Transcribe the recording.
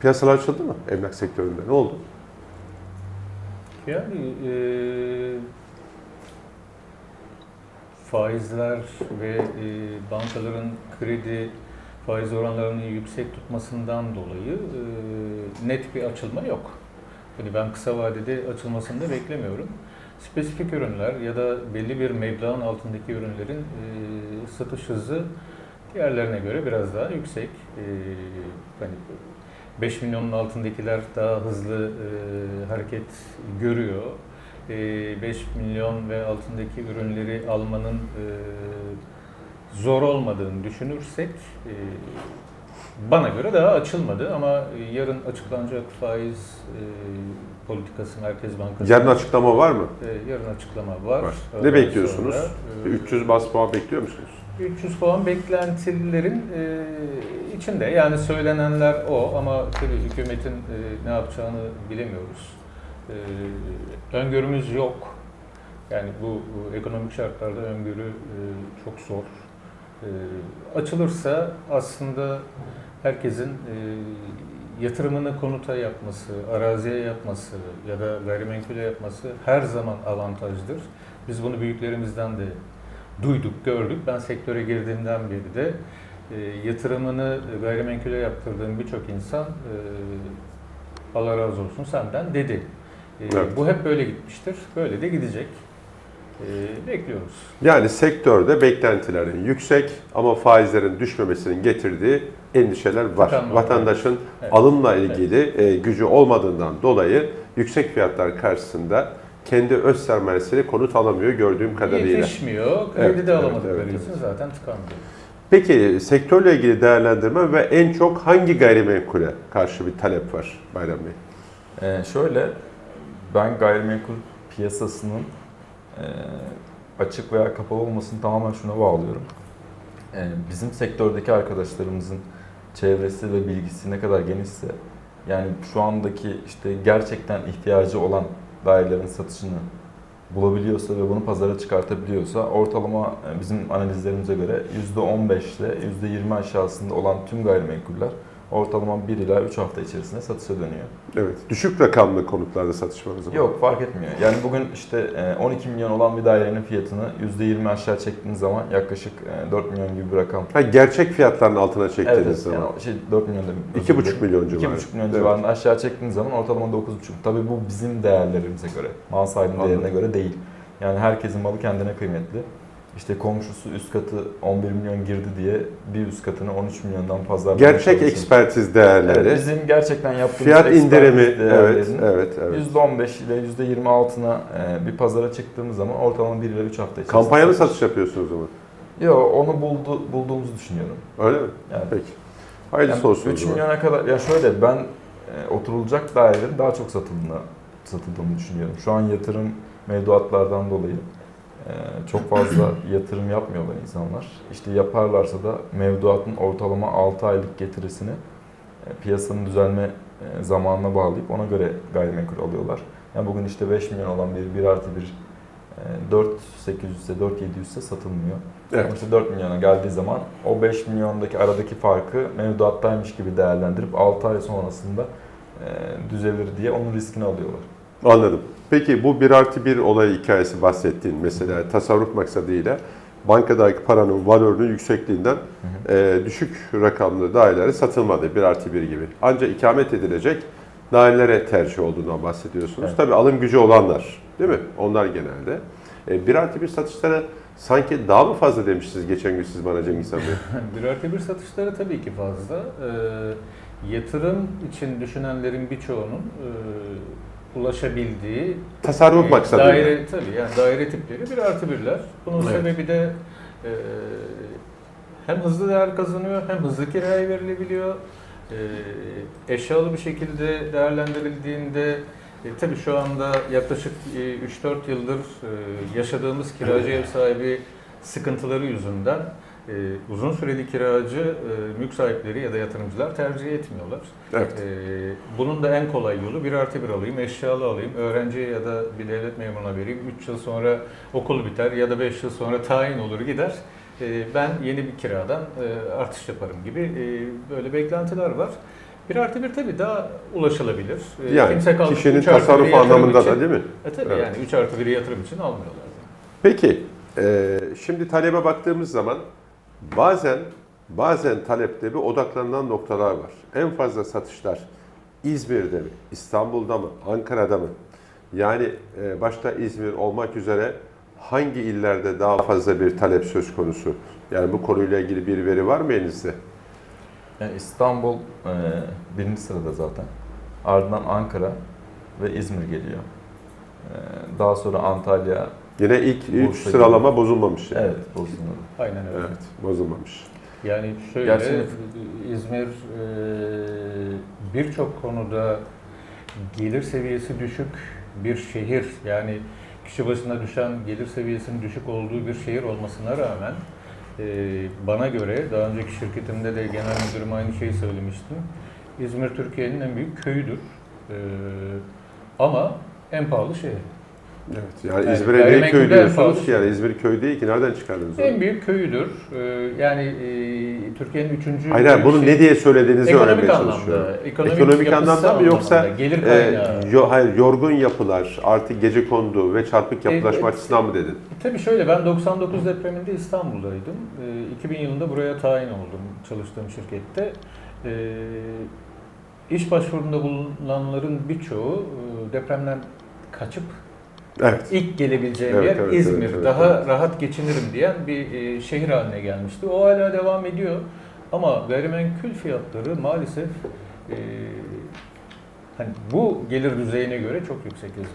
Piyasalar açıldı mı emlak sektöründe? Ne oldu? Yani faizler ve bankaların kredi faiz oranlarını yüksek tutmasından dolayı net bir açılma yok. Yani ben kısa vadede açılmasını da beklemiyorum. Spesifik ürünler ya da belli bir meblağın altındaki ürünlerin satış hızı diğerlerine göre biraz daha yüksek. Hani 5 milyonun altındakiler daha hızlı hareket görüyor. 5 milyon ve altındaki ürünleri almanın zor olmadığını düşünürsek bana göre daha açılmadı ama yarın açıklanacak faiz politikası Merkez Bankası. Yarın açıklama var mı? Yarın açıklama var. Var. Ne bekliyorsunuz? 300 bas puan bekliyor musunuz? 300 puan beklentilerin içinde. Yani söylenenler o ama tabii hükümetin ne yapacağını bilemiyoruz. Öngörümüz yok. Yani bu ekonomik şartlarda öngörü çok zor. Açılırsa aslında herkesin yatırımını konuta yapması, araziye yapması ya da gayrimenkule yapması her zaman avantajdır. Biz bunu büyüklerimizden de duyduk, gördük. Ben sektöre girdiğimden beri de yatırımını gayrimenkule yaptırdığım birçok insan Allah razı olsun senden dedi. Evet. Bu hep böyle gitmiştir. Böyle de gidecek. Bekliyoruz. Yani sektörde beklentilerin yüksek ama faizlerin düşmemesinin getirdiği endişeler var. Tıkanma, Vatandaşın evet. alımla ilgili gücü olmadığından dolayı yüksek fiyatlar karşısında kendi öz sermayesiyle konut alamıyor gördüğüm kadarıyla. Yetişmiyor. Kredi Evet, de evet, alamadıkları evet, için evet. zaten tıkanmıyor. Peki sektörle ilgili değerlendirme ve en çok hangi gayrimenkule karşı bir talep var Bayram Bey? Şöyle, ben gayrimenkul piyasasının açık veya kapalı olmasını tamamen şuna bağlıyorum. Bizim sektördeki arkadaşlarımızın çevresi ve bilgisi ne kadar genişse, yani şu andaki işte gerçekten ihtiyacı olan dairelerin satışını bulabiliyorsa ve bunu pazara çıkartabiliyorsa ortalama bizim analizlerimize göre %15 ile %20 aşağısında olan tüm gayrimenkuller ortalama 1 ila 3 hafta içerisinde satışa dönüyor. Evet. Düşük rakamlı konutlarda satış var o zaman. Yok, fark etmiyor. Yani bugün işte 12 milyon olan bir dairenin fiyatını %20 aşağı çektiğiniz zaman yaklaşık 4 milyon gibi bir rakam. Ha, gerçek fiyatların altına çektiğiniz Evet, zaman. yani 4 milyon demek. 2,5 milyon civarı. 2,5 milyon Evet. civarında aşağı çektiğiniz zaman ortalama 9,5. Tabii bu bizim değerlerimize göre, mal sahibinin Anladım. değerine göre değil. Yani herkesin malı kendine kıymetli. İşte komşusu üst katı 11 milyon girdi diye bir üst katını 13 milyondan fazla. Gerçek ekspertiz değerleri. Evet, bizim gerçekten yaptığımız Fiyat indirimi, evet, değerlerin evet. %15 ile %20 altına bir pazara çıktığımız zaman ortalama 1 ile 3 hafta içerisinde. Kampanyalı satış yapıyorsunuz o zaman. Yok, onu bulduğumuzu düşünüyorum. Öyle mi? Yani, Peki. Hayırlısı olsun. 3 milyona kadar, ya şöyle ben oturulacak dairelerin daha çok satıldığını düşünüyorum. Şu an yatırım mevduatlardan dolayı çok fazla yatırım yapmıyorlar insanlar. İşte yaparlarsa da mevduatın ortalama 6 aylık getirisini piyasanın düzelme zamanına bağlayıp ona göre gayrimenkul alıyorlar. Yani bugün işte 5 milyon olan bir 1+1 4.800 ise 4.700 ise satılmıyor. Evet. Ama işte 4 milyona geldiği zaman o 5 milyondaki aradaki farkı mevduattaymış gibi değerlendirip 6 ay sonrasında düzelir diye onun riskini alıyorlar. Anladım. Peki bu 1+1 olay hikayesi bahsettiğin mesela tasarruf maksadıyla bankadaki paranın valörünün yüksekliğinden düşük rakamlı daireleri satılmadı 1+1 gibi. Ancak ikamet edilecek dairelere tercih olduğundan bahsediyorsunuz. Evet. Tabii alım gücü olanlar değil mi? Onlar genelde. 1+1 satışlara sanki daha mı fazla demiştiniz geçen gün siz bana Cengiz Han Bey? 1+1 satışları tabii ki fazla. Yatırım için düşünenlerin birçoğunun ulaşabildiği Tasarruf maksadıyla. daire, tabii yani daire tipleri 1+1'ler. Bunun Evet. sebebi de hem hızlı değer kazanıyor hem hızlı kiraya verilebiliyor. Eşyalı bir şekilde değerlendirildiğinde tabii şu anda yaklaşık 3-4 yıldır yaşadığımız kiracı ev sahibi sıkıntıları yüzünden uzun süreli kiracı mülk sahipleri ya da yatırımcılar tercih etmiyorlar. Evet. Bunun da en kolay yolu 1+1 alayım, eşyalı alayım, öğrenciye ya da bir devlet memuruna vereyim, 3 yıl sonra okul biter ya da 5 yıl sonra tayin olur gider. Ben yeni bir kiradan artış yaparım gibi böyle beklentiler var. 1+1 tabii daha ulaşılabilir. Yani Kimse kalkıp kişinin 3+1'i tasarruf yatırım anlamında için- da değil mi? Tabii Evet. yani 3+1'i yatırım için almıyorlar. Peki, şimdi talebe baktığımız zaman bazen talepte bir odaklanılan noktalar var. En fazla satışlar İzmir'de mi, İstanbul'da mı, Ankara'da mı? Yani başta İzmir olmak üzere hangi illerde daha fazla bir talep söz konusu? Yani bu konuyla ilgili bir veri var mı elinizde? İstanbul birinci sırada zaten. Ardından Ankara ve İzmir geliyor. Daha sonra Antalya. Yine ilk 3 Bursa sıralama bozulmamış yani. Evet, bozulmadı. Aynen öyle. Evet, bozulmamış. Yani şöyle, Gerçi- İzmir birçok konuda gelir seviyesi düşük bir şehir. Yani kişi başına düşen gelir seviyesinin düşük olduğu bir şehir olmasına rağmen bana göre, daha önceki şirketimde de genel müdürüm aynı şeyi söylemiştim. İzmir Türkiye'nin en büyük köyüdür. Ama en pahalı şehir. Evet, yani Yani İzmir'e niye gayrimenkulde köy en diyorsunuz pahalı ki? Yani İzmir köy değil ki. Nereden çıkardınız onu? En büyük köyüdür. Yani Türkiye'nin 3. Hayır, hayır, bunu ne diye söylediğinizi Ekonomik öğrenmeye anlamda, çalışıyorum. ekonomik yapısı anlamda mı yoksa anlamda, gelir kaynağı. hayır, yorgun yapılar, artık gecekondu ve çarpık yapılaşma Evet. açısından mı dedin? Tabii şöyle, ben 99 depreminde İstanbul'daydım. 2000 yılında buraya tayin oldum çalıştığım şirkette. İş başvurunda bulunanların birçoğu depremden kaçıp Evet. ilk gelebileceğim Evet, yer evet, İzmir. evet, evet, Daha evet. rahat geçinirim diyen bir şehir haline gelmişti. O hala devam ediyor. Ama gayrimenkul fiyatları maalesef hani bu gelir düzeyine göre çok yüksek İzmir'de.